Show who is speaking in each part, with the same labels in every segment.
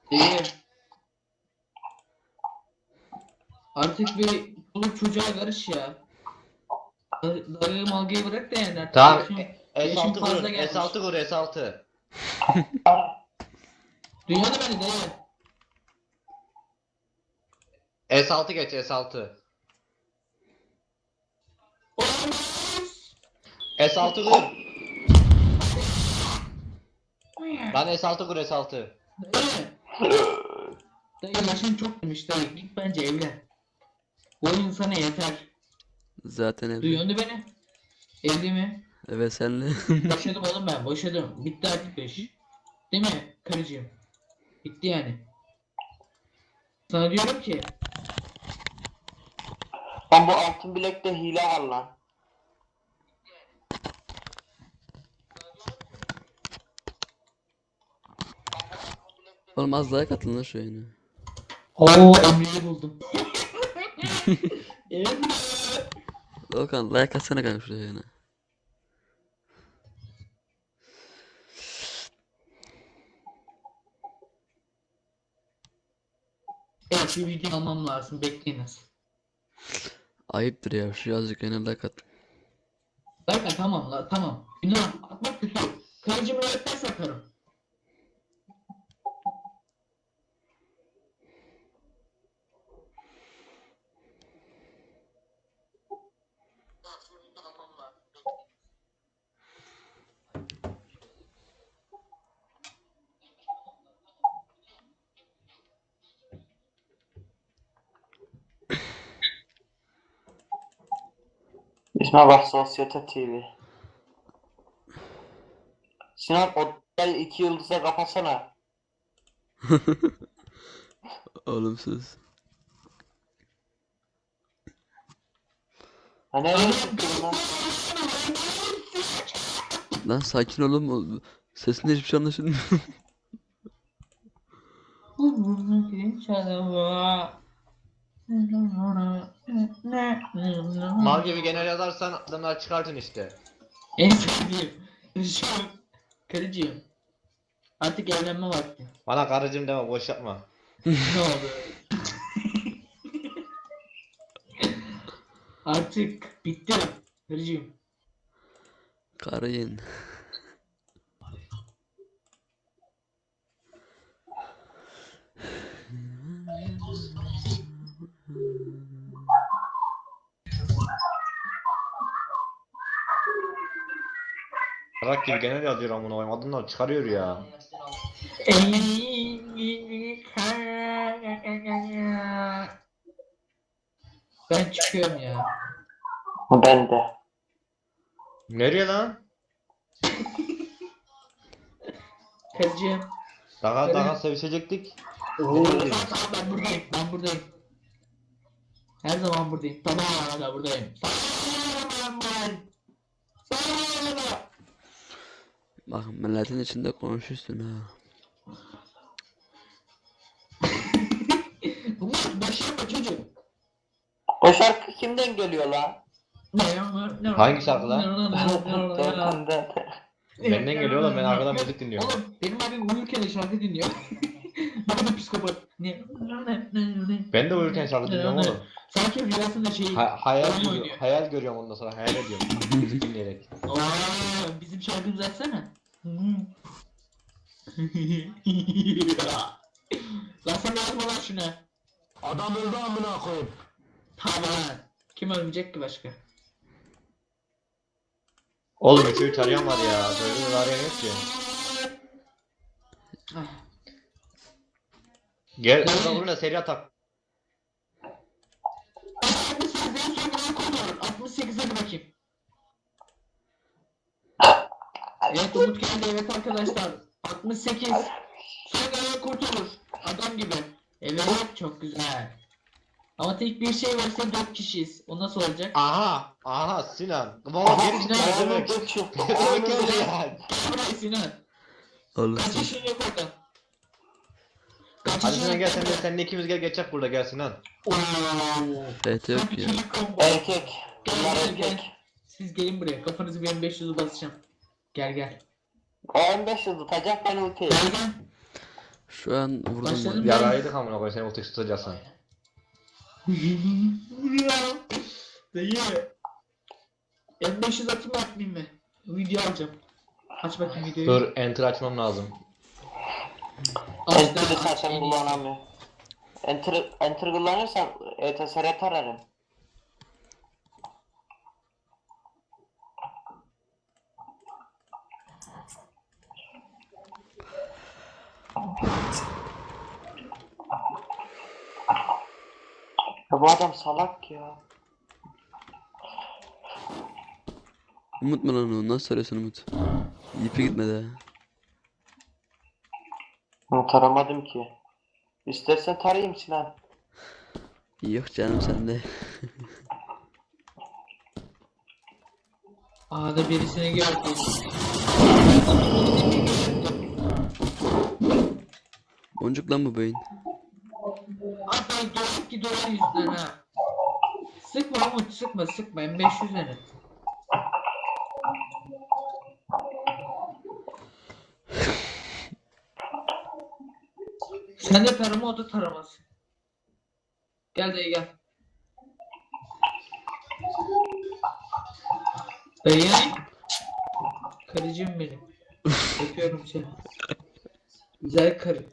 Speaker 1: Değil. Artık bir çoluk çocuğa karış ya. Dayı malgayı bırak da yani artık
Speaker 2: Tamam.
Speaker 1: yaşım
Speaker 2: S6
Speaker 1: fazla
Speaker 2: vurun.
Speaker 1: gelmiş.
Speaker 2: S6 vur S6.
Speaker 1: Duymadı beni dayı.
Speaker 2: S6 geç S6. S6 vur. Lan S6 vur S6.
Speaker 1: Dayı yaşın çok demiş dayı. Git bence evlen. Bu oyun sana yeter.
Speaker 3: Zaten evli.
Speaker 1: Duyuyor musun beni? Evli mi?
Speaker 3: Evet senle.
Speaker 1: Boşadım oğlum ben. Boşadım. Bitti artık 5. Değil mi karıcığım? Bitti yani. Sana diyorum ki
Speaker 4: Lan bu altın bilekte hile var lan.
Speaker 3: Oğlum az daha katılın lan şu yayına.
Speaker 1: ooo Emre'yi buldum. Emre.
Speaker 3: Volkan like atsana kanka şu yayına.
Speaker 1: Evet bir video almam lazım. Bekleyiniz.
Speaker 3: Ayıptır ya şu yazıcık yayına like at.
Speaker 1: Zaten tamam la tamam. Günah atmak kötü. Karıcığımı öğretmen sakarım.
Speaker 4: İsme bak Sosyete TV. Sinan o gel 2 yıldıza kapatsana.
Speaker 3: Oğlum sus.
Speaker 4: Ha nereye çıktın lan?
Speaker 3: Lan sakin olun. Sesinde hiçbir şey anlaşılmıyor.
Speaker 2: Mal gibi genel yazarsan adamlar çıkartın işte.
Speaker 1: En sevdiğim. Şu an karıcığım. Artık evlenme vakti.
Speaker 2: Bana karıcığım deme boş yapma.
Speaker 1: Ne oldu? Artık bitti. Karıcığım.
Speaker 3: Karayın.
Speaker 2: Rak gibi genel yazıyor amına koyayım. Adamlar çıkarıyor ya.
Speaker 1: Ben çıkıyorum ya.
Speaker 4: Ben de.
Speaker 2: Nereye lan?
Speaker 1: Karıcığım.
Speaker 2: Daha sevişecektik.
Speaker 1: Tamam ben buradayım. Ben buradayım. Her zaman buradayım. Tamam hala buradayım. Tamam ben. Tamam.
Speaker 3: Bak milletin içinde konuşursun ha.
Speaker 1: Bunlar başlama çocuk.
Speaker 4: O şarkı kimden geliyor lan?
Speaker 2: Hangi şarkı lan?
Speaker 4: Volkan'dan.
Speaker 2: Benden geliyor oğlum, ben arkadan müzik dinliyorum.
Speaker 1: Oğlum benim abim uyurken de şarkı dinliyor. Bana da psikopat. Ne?
Speaker 2: Ben de uyurken şarkı dinliyorum oğlum.
Speaker 1: Sanki rüyasında şey
Speaker 2: Hayal
Speaker 1: oyun
Speaker 2: görüyorum,
Speaker 1: oynuyor.
Speaker 2: hayal görüyorum ondan sonra hayal ediyorum. Müzik dinleyerek.
Speaker 1: Bizim şarkımızı açsana. Lan sen yazma lan şuna.
Speaker 4: Adam öldü amına koyayım.
Speaker 1: Tamam. Kim ölmeyecek ki başka?
Speaker 2: Oğlum 3'ü arayan var ya. Böyle bir arayan yok ki. Gel orada vurun da seri atak.
Speaker 1: 68 hadi bakayım. Evet Umut geldi evet arkadaşlar. 68. Son gelen kurtulur. Adam gibi. Evet çok güzel. Ama tek bir şey varsa 4 kişiyiz. O nasıl olacak?
Speaker 2: Aha Sinan. Baba geri çıktı ne demek? Ne demek öyle ya?
Speaker 1: Gel buraya Sinan.
Speaker 3: Oğlum
Speaker 1: Kaç
Speaker 3: sus.
Speaker 1: yaşın yok orada? Kaç
Speaker 2: Hadi
Speaker 1: yaşın
Speaker 2: Sinan gel
Speaker 1: yok?
Speaker 2: seninle ikimiz gel geçecek burada gel Sinan.
Speaker 3: Evet yok ya.
Speaker 4: Erkek. Bunlar
Speaker 1: Gel gel.
Speaker 4: erkek.
Speaker 1: Siz gelin buraya. Kafanızı benim 500'ü basacağım. Gel gel.
Speaker 4: O 15 yıl tutacak ben ultiyi.
Speaker 1: Gel gel.
Speaker 3: Şu an vurdum
Speaker 1: Başladım.
Speaker 3: ben.
Speaker 2: Yaraydık amına koyayım seni ulti tutacaksın.
Speaker 1: Dayı. M500 atayım mı atmayayım mı? Video alacağım. Aç bakayım videoyu.
Speaker 2: Dur enter açmam lazım.
Speaker 4: Enter'ı sen kullanamıyor. Enter kullanırsan ETSR tararım. Ya bu adam salak ya.
Speaker 3: Umut mu lan o? Nasıl söylüyorsun Umut? İpi gitmedi ha.
Speaker 4: Bunu taramadım ki. İstersen tarayayım Sinan.
Speaker 3: Yok canım sende.
Speaker 1: A'da birisini gördüm.
Speaker 3: Boncuk lan bu beyin.
Speaker 1: Hatta dolar ki dolar yüzünden ha. Sıkma Umut sıkma M500 ne? Sen de tarama o da taraması. Gel dayı gel. Dayı. Karıcığım benim. Öpüyorum seni. Güzel karı.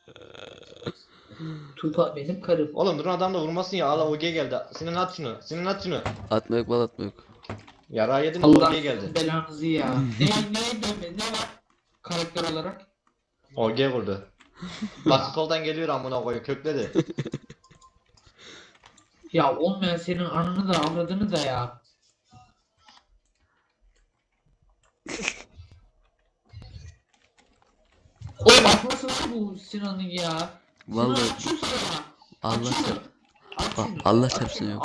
Speaker 1: Tupa benim karım.
Speaker 2: Oğlum durun adam da vurmasın ya. Allah OG geldi. Sinan at şunu. Sinan at şunu.
Speaker 3: Atma yok bal atma yok.
Speaker 2: Yara yedin
Speaker 1: Allah
Speaker 2: OG geldi.
Speaker 1: belanızı ya. ne var? Karakter olarak.
Speaker 2: OG vurdu. Bak soldan geliyor amına koyayım kökledi.
Speaker 1: Ya olmayan senin anını da avradını da ya. Oğlum atmasın lan bu Sinan'ı ya.
Speaker 3: Vallahi
Speaker 1: Sinan açıyor sana.
Speaker 3: Allah
Speaker 1: Açıyor.
Speaker 3: çarp.
Speaker 1: Aç şunu.
Speaker 3: Allah çarpsın yok.